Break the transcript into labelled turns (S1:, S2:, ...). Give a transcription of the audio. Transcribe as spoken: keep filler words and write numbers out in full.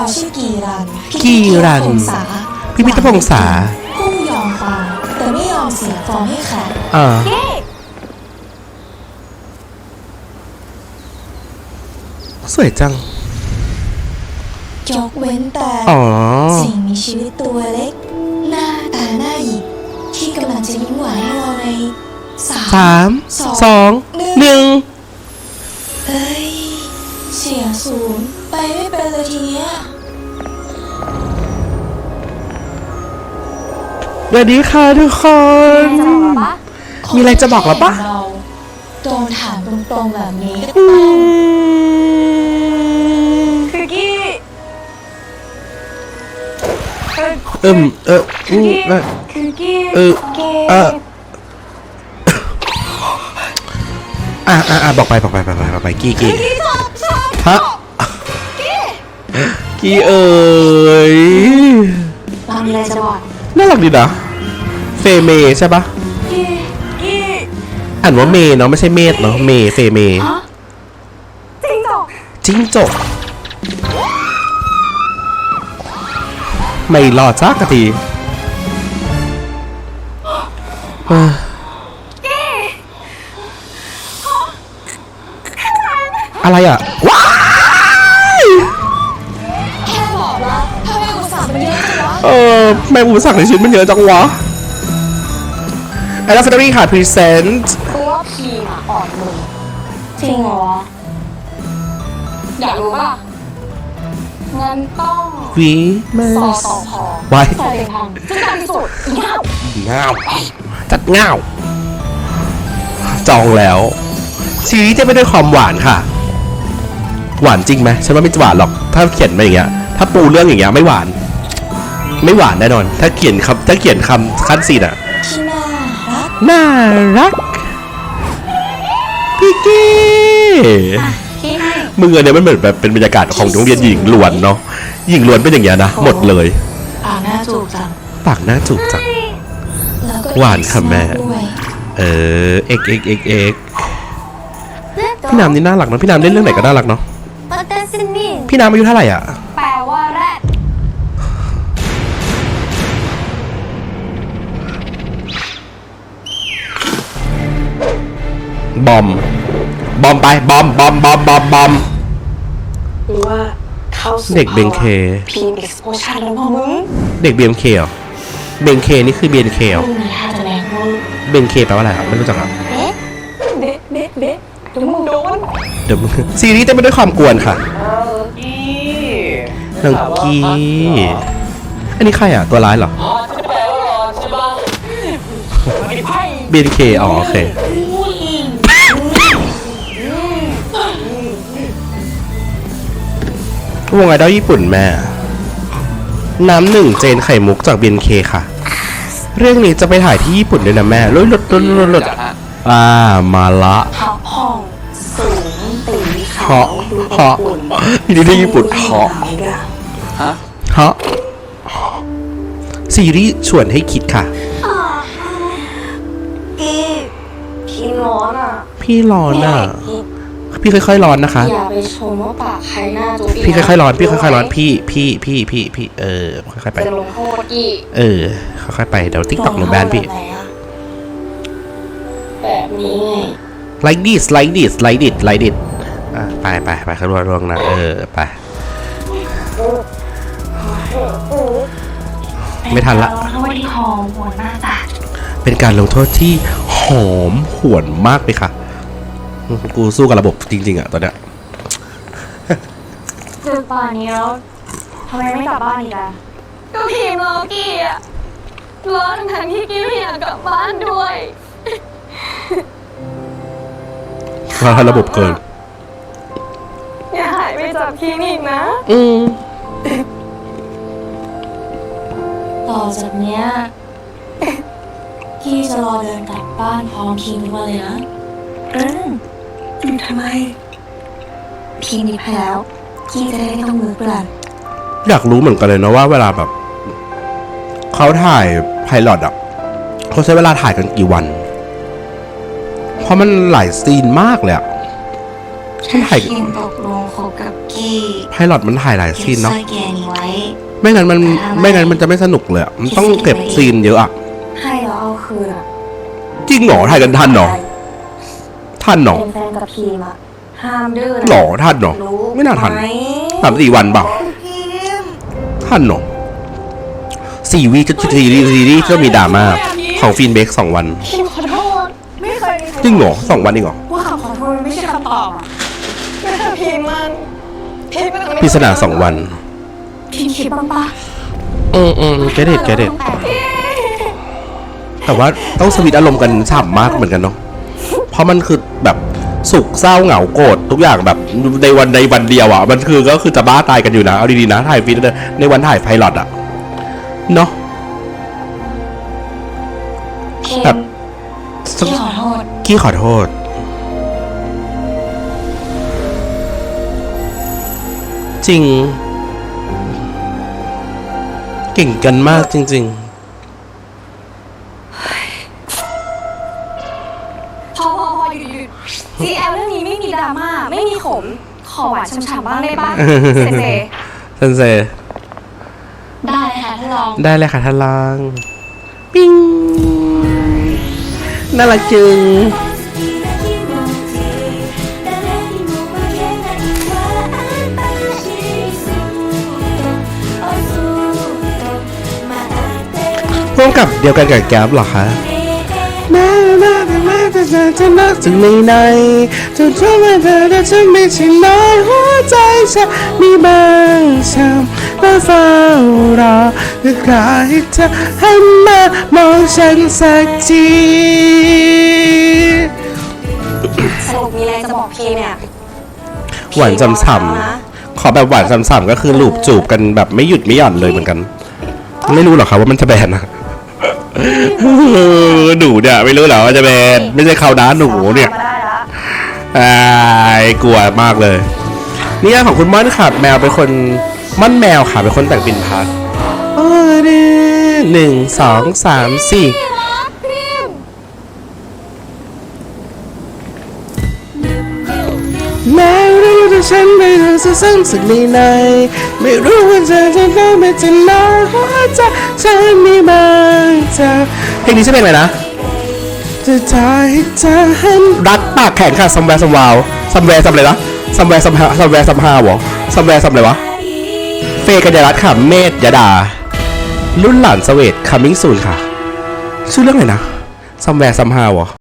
S1: เราชื่อกีรัน
S2: กีรันพิพิธพงษา
S1: ผู้ยอมตายแต่ไม่ยอมเสียฟอร์มให้ขาด
S2: อ่าสวยจัง
S1: ยกเว้นแต่สิ่งมีชีวิตตัวเล็กหน้าตาหน้าหยิกที่กำลังจะยิ้มหวานให้เราใน
S2: สามสองหนึ่ง
S1: เอ้ยเสียงสูงไปไม่เป็นเลยทีเนี้ย
S2: สวัสดีค่ะทุกคนมีอะไรจะบอกเราปะ
S1: โดนถามตรงๆแบบนี้คือกี้
S2: เอิมเอออือ
S1: คือกี้
S2: เออเอออ่ะอ่ะอ่ะบอกไปบอกไปบอกไปบอกไปกี้กี้ฮะกี้เอ๋ย
S1: เรามีอะไรจะบอก
S2: น่ารักดีนะเฟเมใช่ปะอ่านว่าเมเนาะไม่ใช่เมธเนาะเมเฟเม
S1: จิ้งจก
S2: จิ้งจกไม่รอดสักทีอะไรอ่ะว้าย
S1: แค่บอกว่าทำไมอุปสรรคมันเยอะจังวะ
S2: เออแม่อุปสรรคในชีวิตมันเยอะจังวะแอลลาฟาร์รี่ค่ะพรีเซนต์
S1: คือว่าพีมาอ่อนมือจริงเหรออยากรู้ป่ะงั้นต้อง
S2: วีมา
S1: สอสอพอ
S2: ไว้
S1: ใส่เป็นทางจัดการที่สุดเงา
S2: เงาจัดเงาจองแล้วชีวิตจะไม่ด้วยความหวานค่ะหวานจริงไหมฉันว่าไม่หวานหรอกถ้าเขียนมาอย่างเงี้ยถ้าปูเรื่องอย่างเงี้ยไม่หวานไม่หวานแน่นอนถ้าเขียนคำถ้าเขียนคำขั้นซีนอะ
S1: ที่น่ารัก
S2: น่ารักพี่กี้มือเนี่ยมันเหมือนแบบเป็นบรรยากาศของโรงเรียนหญิงล้วนเนาะหญิงล้วนเป็นอย่างเงี้ยนะหมดเลย
S1: ปากหน้าจูบจัง
S2: ปากหน้าจูบจังหวานค่ะแม่เออเอ็กเอ็กเอ็กเอ็กพี่น้ำนี่น่ารักเนาะพี่น้ำเล่นเรื่องไหนก็น่ารักเนาะพี่น้ำอายุเท่าไหร่อ่ะ
S1: แปลว่าแรด
S2: บอมบอมไปบอมบอมบอมบอมบอม
S1: หรือว่าเขา
S2: เด็กเบงเค
S1: พีมเอ็กซ์โพชั่นแล้วมั้งมึง
S2: เด็กเบงเคเหรอเบงเคนี่คือเบงเคเหรอเบงเคแปลว่าอะไรครับไม่รู้จักครับ
S1: เด็ดเด็ดเด็ดเดี๋ยวมึงโดน
S2: เดี๋ยวมึงซีรีส์จะไม่ด้วยความกวนค่ะนางกี้อันนี้ใครอ่ะตัวร้ายเหรอเบนเคอ๋อโอเควงไอดอลญี่ปุ่นแม่น้ำหนึ่งเจนไข่มุกจากเบนเคค่ะเรื่องนี้จะไปถ่ายที่ญี่ปุ่นด้วยนะแม่ลุยลุดลุดลุดลุดอ่ามาละ
S1: ห้องสูงตี
S2: เหาะเหาะที่นี่ที่ญี่ปุ่นเหาะฮะฮะซีรีส์ชวนให้คิดค่ะ
S1: พี่พี่ร้อนอ่ะ
S2: พี่ร้อนอ่ะพี่ค่อยๆร้อนนะคะ
S1: อย่าไปชมว่าปากใครหน้าจูบ
S2: พี่ค่อยๆร้อนพี่ค่อยๆร้อนพี่พี่พี่พี่พี่เออค่อยๆไป
S1: จะลงโทษกี้
S2: เออค่อยๆไปเดี๋ยวติ๊กต็อกหนูแบนพี่
S1: แบบนี้ไง
S2: like this like this like this like this อ่ะไปไปไปขึ้นรถลงนะเออไปไม่ทันละ
S1: ลงโทษที่หอมหวนมากจ้ะ
S2: เป็นการลงโทษที่หอมหวนมากเลยค่ะกูสู้กับระบบจริงๆอ่ะตอนเนี้ย
S1: ถึงป่านนี้แล้วทำไมไม่กลับบ้านอีกอ่ะก็พิมพ์รอกี้อ่ะรอทั้งที่กี้ไม่อยากกลับบ้านด้วย
S2: เราให้ระบบเกิน
S1: อย่าหายไปจากที่นี่นะ
S2: อืม
S1: ต่อจากเนี้ยกี้จะรอเดินกลับบ้านพร้อมพิมพ์มาเลยนะเอออยู่ทำไมพีมีแผลแล้วกี้จะได้ไม่ต้องมือเปล่า
S2: อยากรู้เหมือนกันเลยนะว่าเวลาแบบเขาถ่ายไพลอตอ่ะเขาใช้เวลาถ่ายกันกี่วันเพราะมันหลายซีนมากเลยอ่ะ
S1: ฉันถ่ายตกลงคบกับกี้
S2: ไพลอตมันถ่ายหลายซีนเนาะ
S1: สร้อยแกนี้ไว้
S2: ไม่งั้นมันไม่งั้นมันจะไม่สนุกเลยอะมันต้องเก็บซีนเยอะอะ
S1: ให้เราเอาคืนอะ
S2: จริงเหรอถ่ายกันทันเหรอทันเหรอ
S1: เป็นแฟนกับพีมอะห้ามดื้อนะ
S2: หรอทันเหรอ
S1: รู้
S2: ไม่น่าทัน
S1: ไหม
S2: สามสี่วันเปล่า
S1: พีม
S2: ทันเหรอสี่วีก็ซีรีส์ซีรีส์ก็มีดราม่าของฟินเบกสองวัน
S1: พีมขอโทษไม่เคยมีใค
S2: จริงเหรอสองวันเองเหรอ
S1: ว่าคำขอโทษมันไม่ใช่คำตอบอะไม่ใช่พีมมันพีมมันไม่
S2: พิศนาสองวัน
S1: พีมคิดบ้างปะ
S2: อืมอืมเกเด็ดเกเด็ดแต่ว่าต้องสวิตช์อารมณ์กันฉ่ำมากเหมือนกันเนาะเพราะมันคือแบบสุขเศร้าเหงาโกรธทุกอย่างแบบในวันในวันเดียวอ่ะมันคือก็คือจะบ้าตายกันอยู่นะเอาดีๆนะถ่ายฟินในวันถ่ายไพลอตอ่ะเนาะ
S1: พีม
S2: แบบ
S1: พี่ขอโทษ
S2: กี้ขอโทษ จริง เก่งกันมากจริง
S1: พอพอพอหยุดหยุดซีแอลเรื่องนี้ไม่มีดราม่าไม่มีขมขอหวานฉ่ำๆบ้างได้ปะเซเซ
S2: ๆเซนเซ
S1: ได้ค่ะท่านรอง
S2: ได้เลยค่ะท่านลางปิ้งน่ารักจึงร่วมกับเดียวกันกับแก๊ปเหรอคะแม้แม้แต่แม้แต่จะจะนักจึงไม่ในจะทำให้เธอแต่ฉันไม่ใช่น้อยหัวใจฉันมีบางช้ำและเฝ้ารอเพื่อใครจะหันมามองฉันสักที
S1: สรุปมีอะไรจะบอกพี่เนี่ย
S2: หวานจำฉ่ำขอแบบหวานจำฉ่ำก็คือลูบจูบกันแบบไม่หยุดไม่หย่อนเลยเหมือนกัน ไม่รู้หรอกครับว่ามันจะแบนนะหนูเนี่ยไม่รู้หรอว่าจะแบนไม่ใช่เขาด้าหนูเนี่ย
S1: มาได้ละ
S2: ไอ้กลัวมากเลยนี่ของคุณม่อนค่ะแมวเป็นคนม่อนแมวค่ะเป็นคนแต่งปินพัดโอ้ดิหนึ่งสองสามสี่แม้รู้ว่าฉันไม่รู้สึกซึ้งสึกในในไม่รู้ว่าเธอจะต้องเป็นจะน้อยหัวใจฉันมีบางจากเพลงนี้ชื่อเพลงอะไรนะจะทายให้เธอเห็นรักปากแข็งค่ะซัมแวร์ซัมวาวซัมแวร์ซัมอะไรนะซัมแวร์ซัมฮาซัมแวร์ซัมฮาวะซัมแวร์ซัมอะไรวะเฟย์กัญญารัตน์ค่ะเมธยดารุ่นหลานเสวตคัมมิ่งซูนค่ะชื่อเรื่องอะไรนะซัมแวร์ซัมฮาวะ